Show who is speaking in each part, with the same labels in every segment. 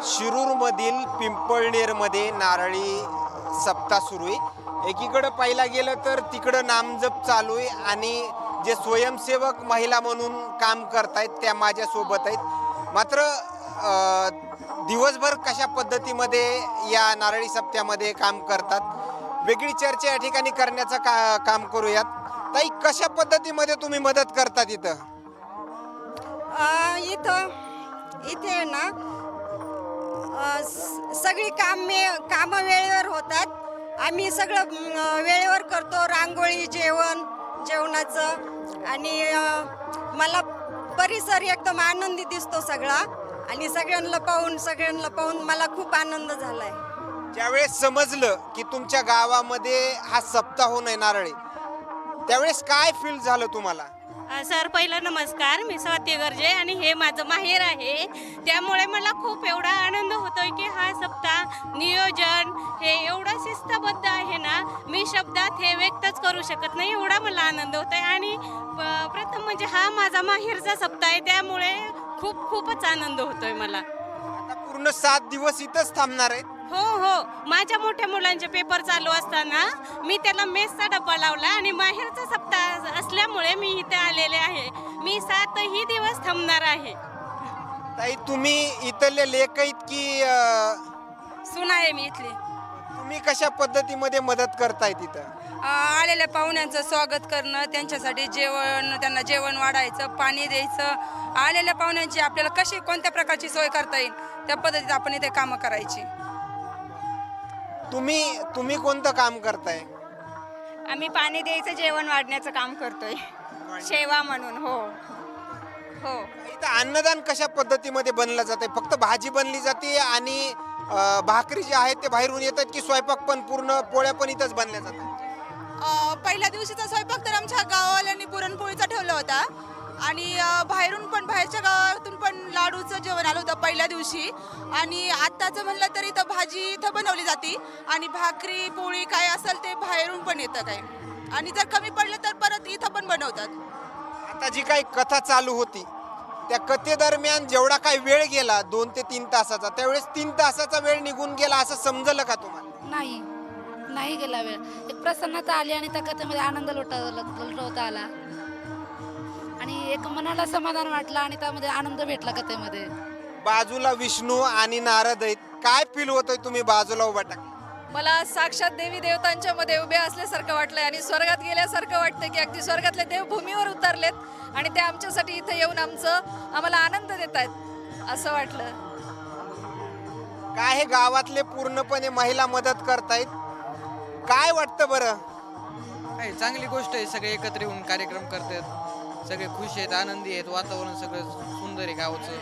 Speaker 1: शिरूरमधील पिंपळनेरमध्ये नारळी सप्ताह सुरू आहे। एकीकडे पाहिला गेलं तर तिकडं नामजप चालू आहे आणि जे स्वयंसेवक महिला म्हणून काम करतायत त्या माझ्यासोबत आहेत। मात्र दिवसभर कशा पद्धतीमध्ये या नारळी सप्त्यामध्ये काम करतात वेगळी चर्चा या ठिकाणी करण्याचं काम करूयात। ताई, कशा पद्धतीमध्ये तुम्ही मदत करतात इथं?
Speaker 2: इथे ना सगळी कामं वेळेवर होतात। आम्ही सगळं वेळेवर करतो, रांगोळी, जेवणाचं। आणि मला परिसर एकदम आनंदी दिसतो सगळा, आणि सगळ्यांना पाहून मला खूप आनंद झालाय।
Speaker 1: ज्यावेळेस समजलं की तुमच्या गावामध्ये हा सप्ताह होणार नारळी, त्यावेळेस काय फील झालं तुम्हाला?
Speaker 3: सर, पहिला नमस्कार। मी स्वाती गर्जे आणि हे माझं माहेर आहे, त्यामुळे मला खूप एवढा आनंद होतोय की हा सप्ताह नियोजन हे एवढं शिस्तबद्ध आहे ना, मी शब्दात हे व्यक्तच करू शकत नाही, एवढा मला आनंद होतोय। आणि प्रथम म्हणजे हा माझा माहेरचा सप्ताह आहे, त्यामुळे खूपच आनंद होतोय मला।
Speaker 1: आता पूर्ण 7 दिवस इथंच थांबणार आहे?
Speaker 3: हो, माझ्या मोठ्या मुलांचे पेपर चालू असताना मी त्याला मेसचा डब्बा लावला आणि माहेरचा सप्ताह असल्यामुळे मी इथे आलेले आहे। मी 7ही दिवस थांबणार आहे।
Speaker 1: ताई, तुम्ही इथले लेक आहेत की
Speaker 2: सुना आहे मी इथली।
Speaker 1: तुम्ही कशा पद्धतीमध्ये मदत करताय तिथं?
Speaker 2: आलेल्या पाहुण्यांचं स्वागत करणं, त्यांच्यासाठी त्यांना जेवण वाढायचं, पाणी द्यायचं। आलेल्या पाहुण्यांची आपल्याला कोणत्या प्रकारची सोय करता येईल त्या पद्धतीत आपण इथे कामं करायची।
Speaker 1: तुम्ही कोणतं काम करताय?
Speaker 2: आम्ही पाणी द्यायचं, जेवण वाढण्याचं काम करतोय, सेवा म्हणून। हो।
Speaker 1: इथं अन्नदान कशा पद्धतीमध्ये बनलं जाते? फक्त भाजी बनली जाते आणि भाकरी जे आहेत ते बाहेरून येतात की स्वयंपाक पण पूर्ण पोळ्या पण इथंच बनल्या जातात?
Speaker 4: पहिल्या दिवशीचा स्वयंपाक तर आमच्या गाववाल्यांनी पुरणपोळीचा ठेवला होता, आणि बाहेरच्या गावातून पण लाडूचं जेवण आलं होतं पहिल्या दिवशी। आणि आत्ताचं म्हणलं तर इथं भाजी इथं बनवली जाते, आणि भाकरी पोळी काय असेल ते बाहेरून पण येतं काय, आणि जर कमी पडलं तर परत इथं पण बनवतात।
Speaker 1: आता जी काही कथा चालू होती त्या कथेदरम्यान जेवढा काही वेळ गेला 2 ते 3 तासाचा, त्यावेळेस 3 तासाचा वेळ निघून गेला असं समजलं का तुम्हाला?
Speaker 5: नाही गेला वेळ। एक प्रसन्नता आली आणि त्या कथेमध्ये आनंद लुटवता आला, आणि एक मनाला समाधान वाटलं आणि त्यामध्ये आनंद भेटला कथेमध्ये।
Speaker 1: बाजूला विष्णू आणि नारद आहेत, काय फील होतोय तुम्ही बाजूला उभा टाक?
Speaker 4: मला साक्षात देवी देवतांच्या मध्ये उभे असल्यासारखं वाटलंय, आणि स्वर्गात गेल्यासारखं वाटतं की अगदी स्वर्गातले देव भूमीवर उतरलेत आणि ते आमच्यासाठी इथे येऊन आम्हाला आनंद देत आहेत असं वाटलं।
Speaker 1: काय हे गावातले पूर्णपणे महिला मदत करतायत, काय वाटतं बरं?
Speaker 6: काय चांगली गोष्ट आहे, सगळे एकत्र येऊन कार्यक्रम करतात, सगळे खुश आहेत, आनंदी आहेत, वातावरण सगळं सुंदर आहे गावाचं।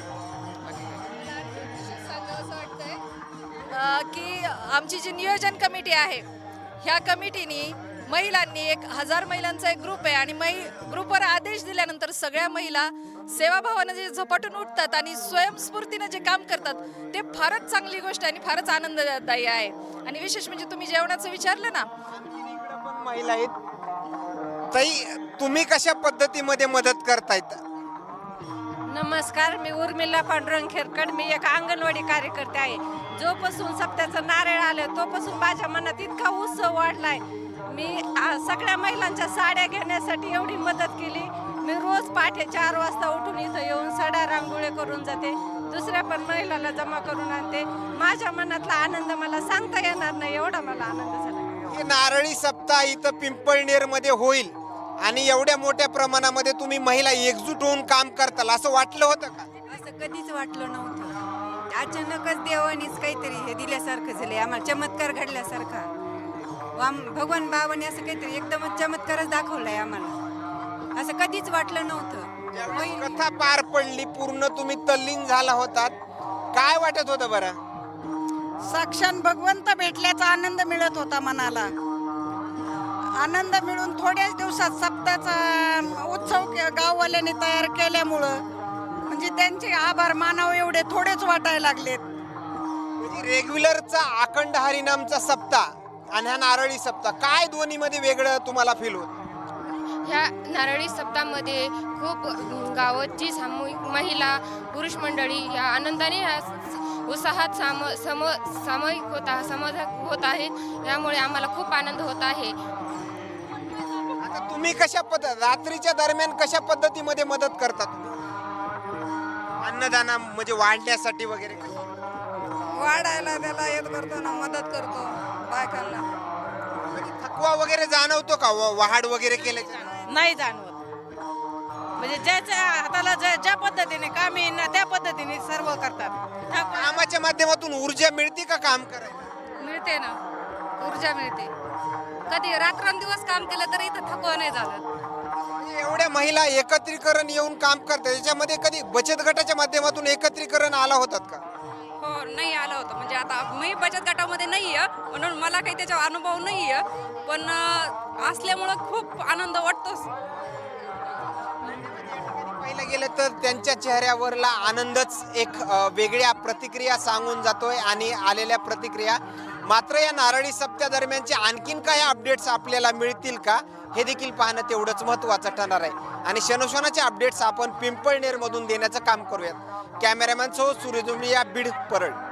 Speaker 4: असं वाटतंय की आमची जी नियोजन कमिटी आहे, ह्या कमिटीनी महिलांनी 1000 महिलांचा एक ग्रुप आहे, आणि ग्रुपवर आदेश दिल्यानंतर सगळ्या महिला सेवाभावानं जे झपाटून उठतात आणि स्वयंस्फूर्तीनं जे काम करतात ते फारच चांगली गोष्ट आहे आणि फारच आनंददायी आहे। आणि विशेष म्हणजे तुम्ही जेवणाचं विचारलं ना,
Speaker 1: पण महिला आहेत। ताई, तुम्ही कशा पद्धतीमध्ये मदत करतायत?
Speaker 2: नमस्कार, मी उर्मिला पांडुरंग खेरकड। मी एक अंगणवाडी कार्यकर्ते आहे। जोपासून सप्त्याचं नारळ आलं तोपासून माझ्या मनात इतका उत्सव वाढलाय। मी सगळ्या महिलांच्या साड्या घेण्यासाठी एवढी मदत केली। मी रोज पहाटे 4 वाजता उठून इथं येऊन साड्या रांगोळी करून जाते, दुसऱ्या पण महिलाला जमा करून आणते। माझ्या मनातला आनंद मला सांगता येणार नाही, एवढा मला आनंद झाला।
Speaker 1: हे नारळी सप्ताह इथं पिंपळनेरमध्ये होईल आणि एवढ्या मोठ्या प्रमाणामध्ये तुम्ही महिला एकजूट होऊन काम करताल असं वाटलं होतं का?
Speaker 2: असं कधीच वाटलं नव्हतं। अचानकच देवानीच काहीतरी हे दिल्यासारखं झाले, आम्हाला चमत्कार घडल्यासारखा। भगवान बाबांनी असं काहीतरी एकदमच चमत्कारच दाखवलाय आम्हाला, असं कधीच वाटलं नव्हतं।
Speaker 1: कथा पार पडली, पूर्ण तुम्ही तल्लीन झाला होतात, काय वाटत होतं बरं?
Speaker 2: साक्षात भगवंत भेटल्याचा आनंद मिळत होता मनाला। आनंद मिळून थोड्याच दिवसात सप्ताहाचा उत्सव गाववाल्यांनी तयार केल्यामुळं म्हणजे त्यांचे आभार मानावे एवढे थोडेच वाटायला लागलेत।
Speaker 1: म्हणजे रेग्युलरचा अखंड हरिनामचा सप्ताह आणि हा नारळी सप्ताह, काय दोन्हीमध्ये वेगळं तुम्हाला फील होतं?
Speaker 7: ह्या नारळी सप्ताहामध्ये खूप गावाची सामूहिक महिला पुरुष मंडळी या आनंदाने उत्साहात सामायिक समाजात होत आहे. यामुळे आम्हाला खूप आनंद होत आहे.
Speaker 1: आता तुम्ही रात्रीच्या दरम्यान कशा पद्धतीमध्ये मदत करता तुम्ही अन्नदाना म्हणजे वाढण्यासाठी वगैरे
Speaker 4: वाढायला त्याला येत करतो ना, मदत करतो बायकांना.
Speaker 1: म्हणजे थकवा वगैरे जाणवतो का वहाड वगैरे केल्याच्या
Speaker 3: नाही जाणवत. म्हणजे ज्याच्या हाताला ज्या पद्धतीने काम येईल ना त्या पद्धतीने सर्व करतात.
Speaker 1: कामाच्या माध्यमातून ऊर्जा मिळते का काम करायला?
Speaker 4: मिळते ना, ऊर्जा मिळते. कधी रात्रंदिवस काम केलं तरी इथं थकवा नाही झालं.
Speaker 1: म्हणजे एवढ्या महिला एकत्रीकरण येऊन काम करतात, त्याच्यामध्ये कधी बचत गटाच्या माध्यमातून एकत्रीकरण आला होतात का?
Speaker 4: हो, नाही आलं होतं. म्हणजे आता मी बचत गटामध्ये नाही आहे म्हणून मला काही त्याचा अनुभव नाही आहे, पण असल्यामुळं खूप आनंद वाटतोच.
Speaker 1: पाहिलं गेलं तर त्यांच्या चेहऱ्यावरला आनंदच एक वेगळ्या प्रतिक्रिया सांगून जातोय आणि आलेल्या प्रतिक्रिया. मात्र या नारळी सप्त्या दरम्यानचे आणखीन काही अपडेट्स आपल्याला मिळतील का हे देखील पाहणं तेवढंच महत्त्वाचं ठरणार आहे. आणि क्षणोक्षणाचे अपडेट्स आपण पिंपळनेरमधून देण्याचं काम करूयात. कॅमेरामॅन सो सूर्यजुमली या बीड परळ.